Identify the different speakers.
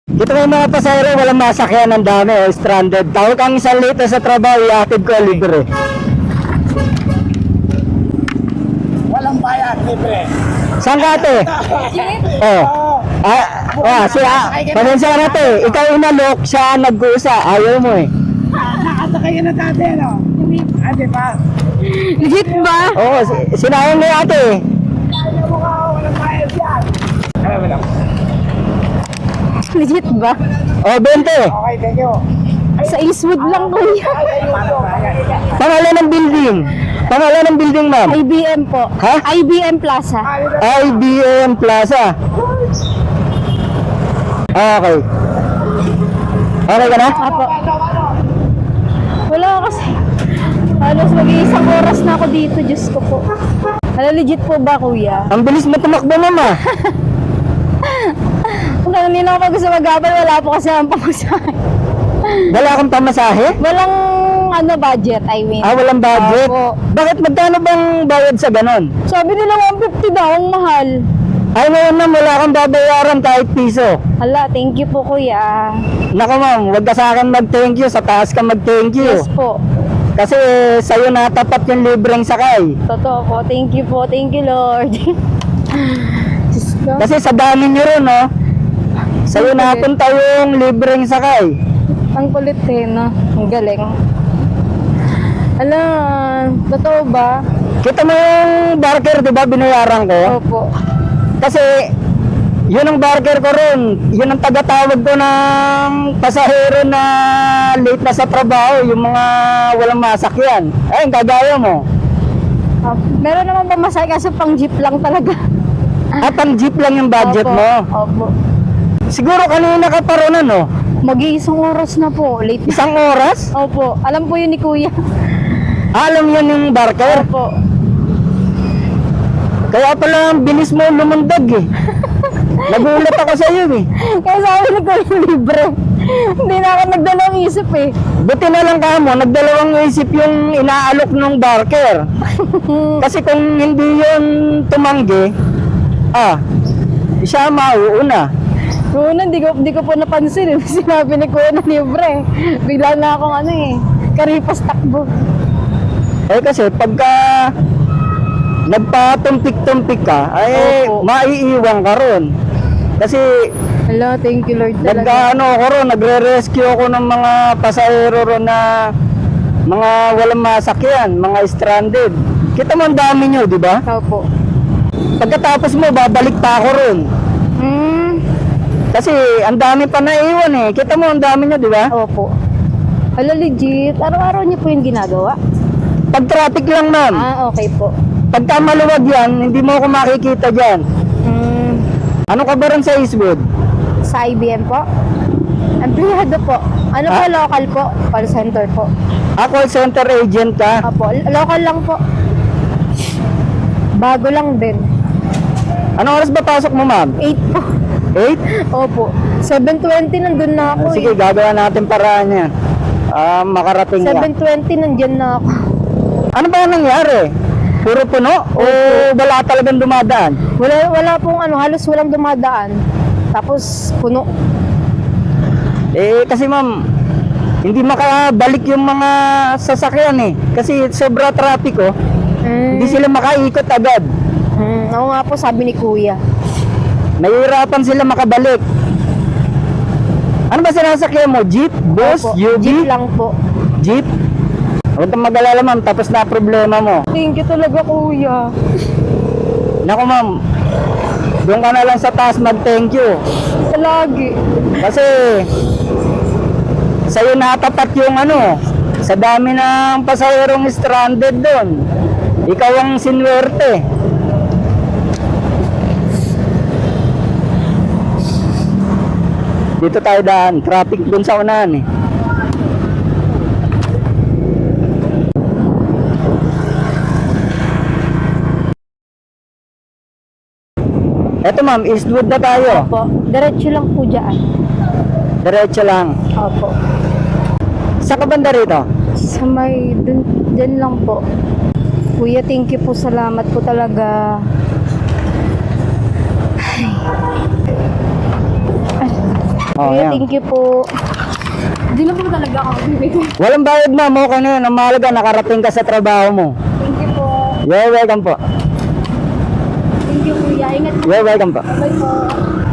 Speaker 1: Dito may mga pasahero, walang masakyan, ang dami, stranded. Tawag kang isang lito sa trabaho, iatid ko libre.
Speaker 2: Walang bayad, libre.
Speaker 1: Saan ka ate? Oh. Pasensya na ate, ikaw inalok, siya nagkusa, ayaw mo eh.
Speaker 2: Nakasakay na dati, ano? Ate pa.
Speaker 3: Legit ba?
Speaker 1: Oo, sinayang mo yung ate.
Speaker 2: Ayaw mo ka, walang bayad yan. Wala.
Speaker 3: Legit ba?
Speaker 1: Oh, 20.
Speaker 2: Okay, thank you.
Speaker 3: Sa Eastwood lang kuya.
Speaker 1: Pangalan ng building. Pangalan ng building, ma'am.
Speaker 3: IBM po.
Speaker 1: Ha?
Speaker 3: IBM Plaza.
Speaker 1: IBM Plaza. Okay. Okay ka na?
Speaker 3: Apo. Wala kasi. Halos mag-iisang oras na ako dito, Diyos ko po. Hala, legit po ba kuya?
Speaker 1: Ang bilis mo tumakbo, ma'am ah.
Speaker 3: Kung hindi na ako gusto mag-abal, wala po kasi ang pamasahe.
Speaker 1: Wala kang pamasahe?
Speaker 3: Walang budget, I mean.
Speaker 1: Walang budget?
Speaker 3: Opo.
Speaker 1: Bakit magkano bang bayad sa ganon?
Speaker 3: Sabi nila 150 daw, ang mahal.
Speaker 1: Ay, ngayon na wala kang babayaran kahit piso.
Speaker 3: Hala, thank you po kuya.
Speaker 1: Naku ma'am, huwag ka sa akin mag-thank you, sa taas ka mag-thank you.
Speaker 3: Yes po.
Speaker 1: Kasi sa'yo natapat yung libreng sakay.
Speaker 3: Totoo po. Thank you po. Thank you, Lord. Diyos ko.
Speaker 1: Kasi sa dami nyo rin, no? Sa'yo napunta yung libreng sakay.
Speaker 3: Ang kulit eh, no? Ang galing. Ala, totoo ba?
Speaker 1: Kita mo yung barker, di ba, binayaran ko?
Speaker 3: Opo.
Speaker 1: Kasi, yun ang barker ko rin. Yun ang tagatawag ko ng pasahero na late na sa trabaho, yung mga walang masakyan. Ay, kagaya mo.
Speaker 3: Meron naman pamasahe kasi pang jeep lang talaga.
Speaker 1: At ang jeep lang yung budget
Speaker 3: Opo.
Speaker 1: mo.
Speaker 3: Opo.
Speaker 1: Siguro kanina ka pa ron, ano?
Speaker 3: Mag-iisang oras na po. Late na.
Speaker 1: Isang oras?
Speaker 3: Opo. Alam po yun ni kuya.
Speaker 1: Alam yun yung barker.
Speaker 3: Opo.
Speaker 1: Kaya pala bilis mo lumundag eh. Nagulat ako sa iyo eh.
Speaker 3: Kaya sabi ni kuya libre. Hindi na ako nagdalawang isip eh.
Speaker 1: Buti na lang ka mo, nagdalawang isip yung inaalok ng barker. Kasi kung hindi yun tumanggi, siya mauuna.
Speaker 3: Noon, hindi ko po napansin eh. Sinabi ni kuya na libre. Bigla na akong karipas takbo.
Speaker 1: Eh kasi pagka nagpatumpik-tumpik ka, ay
Speaker 3: Opo.
Speaker 1: maiiwan ka ron. Kasi
Speaker 3: Hello, thank you Lord talaga.
Speaker 1: nagre-rescue ako ng mga pasahero ron na mga walang masakyan, mga stranded. Kita mo ang dami nyo, di ba?
Speaker 3: Opo.
Speaker 1: Pagkatapos mo, babalik pa ako ron. Kasi ang dami pa naiwan eh. Kita mo ang dami nyo, di ba?
Speaker 3: Opo. Hala, legit. Araw-araw niyo po yung ginagawa?
Speaker 1: Pag traffic lang, ma'am.
Speaker 3: Okay po.
Speaker 1: Pagka maluwag yan, hindi mo ako makikita dyan. Ano ka ba rin sa Eastwood?
Speaker 3: Sa IBM po? Empleyado po. Ano po, local po? Call center po.
Speaker 1: Call center agent ka?
Speaker 3: Opo, local lang po. Bago lang din.
Speaker 1: Anong oras ba pasok mo, ma'am?
Speaker 3: 8 po.
Speaker 1: 8?
Speaker 3: Opo. 7:20 nandun na ako
Speaker 1: Sige, gagawa natin paraan yan. Makarating ka.
Speaker 3: 7:20 nandyan na ako.
Speaker 1: Ano ba nangyari? Puro puno? O wala talagang dumadaan?
Speaker 3: Wala pong halos walang dumadaan. Tapos puno.
Speaker 1: Kasi ma'am, hindi makabalik yung mga sasakyan eh. Kasi sobra traffic oh. Hindi sila makaikot agad.
Speaker 3: Oo nga po, sabi ni kuya.
Speaker 1: Nahihirapan sila makabalik. Ano ba sinasakyan mo? Jeep? Bus?
Speaker 3: Opo,
Speaker 1: UV?
Speaker 3: jeep lang po.
Speaker 1: Jeep? Huwag kang mag-alala ma'am, tapos na problema mo.
Speaker 3: Thank you talaga kuya.
Speaker 1: Naku ma'am, doon ka na lang sa taas mag-thank you.
Speaker 3: Lagi.
Speaker 1: Kasi sa'yo natapat yung sa dami ng pasaherong stranded doon. Ikaw ang sinwerte. Dito tayo daan, traffic doon sa unahan eh. Eto ma'am, Eastwood na tayo.
Speaker 3: Opo. Diretso lang po dyan.
Speaker 1: Diretso lang.
Speaker 3: Opo.
Speaker 1: Sa kabanda rito?
Speaker 3: Sa may, dyan lang po. Kuya, thank you po. Salamat po talaga. Ay.
Speaker 1: Oh,
Speaker 3: Kuya,
Speaker 1: yan.
Speaker 3: thank you po. Hindi na po talaga ako bibigay.
Speaker 1: Walang bayad ma'am, okay na yun. Ang mahalaga, nakarating ka sa trabaho mo.
Speaker 3: Thank you po.
Speaker 1: You're welcome po.
Speaker 3: Thank you, kuya. Ingat po.
Speaker 1: You're welcome po.
Speaker 3: Bye po.